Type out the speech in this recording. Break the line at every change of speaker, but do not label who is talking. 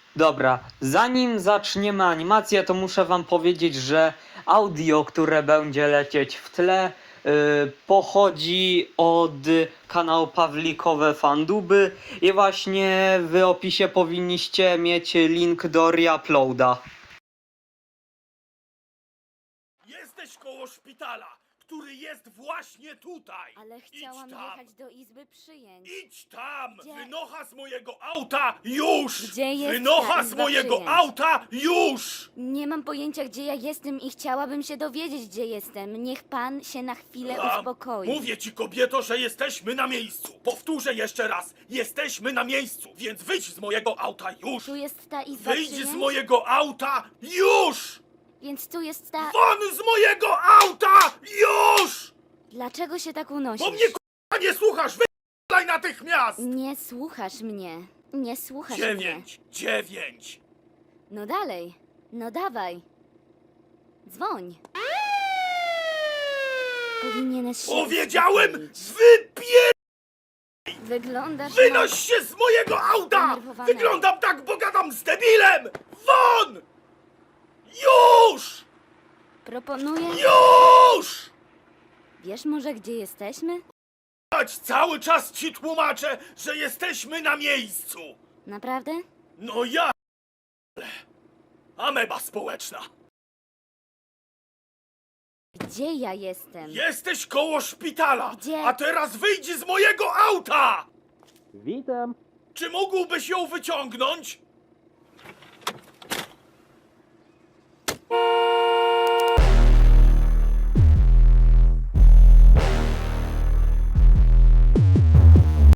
Dobra, zanim zaczniemy animację, to muszę wam powiedzieć, że audio, które będzie lecieć w tle, pochodzi od kanału Pawlikowe Fanduby i właśnie w opisie powinniście mieć link do reuploada.
Jesteś koło szpitala, który jest właśnie tutaj.
Ale chciałam
Idź tam.
jechać do izby przyjęć.
Idź tam!
Gdzie?
Wynocha z mojego auta już!
Gdzie jest
Wynocha
ta
z
izba
mojego
przyjęć?
auta już!
Nie mam pojęcia, gdzie ja jestem i chciałabym się dowiedzieć, gdzie jestem. Niech pan się na chwilę uspokoi.
Mówię ci, kobieto, że jesteśmy na miejscu. Powtórzę jeszcze raz. Jesteśmy na miejscu, więc wyjdź z mojego auta już!
Tu jest ta izba
Wyjdź
przyjęć?
z mojego auta już!
Więc tu jest ta...
Won z mojego auta już!
Dlaczego się tak unosisz?
Bo mnie k***a nie słuchasz! Wyjdź natychmiast!
Nie słuchasz mnie. Nie słuchasz mnie.
9.
No dalej. No dawaj. Dzwoń. Powinieneś się
Powiedziałem,
uspokoić. Wyglądasz
Wynoś się z mojego auta!
Zdenerwowanego.
Wyglądam tak, bo gadam z debilem! Won! Już!
Proponuję...
Już!
Wiesz może, gdzie jesteśmy?
Chodź, cały czas ci tłumaczę, że jesteśmy na miejscu!
Naprawdę?
No ja... Ameba społeczna!
Gdzie ja jestem?
Jesteś koło szpitala!
Gdzie?
A teraz wyjdź z mojego auta!
Witam.
Czy mógłbyś ją wyciągnąć?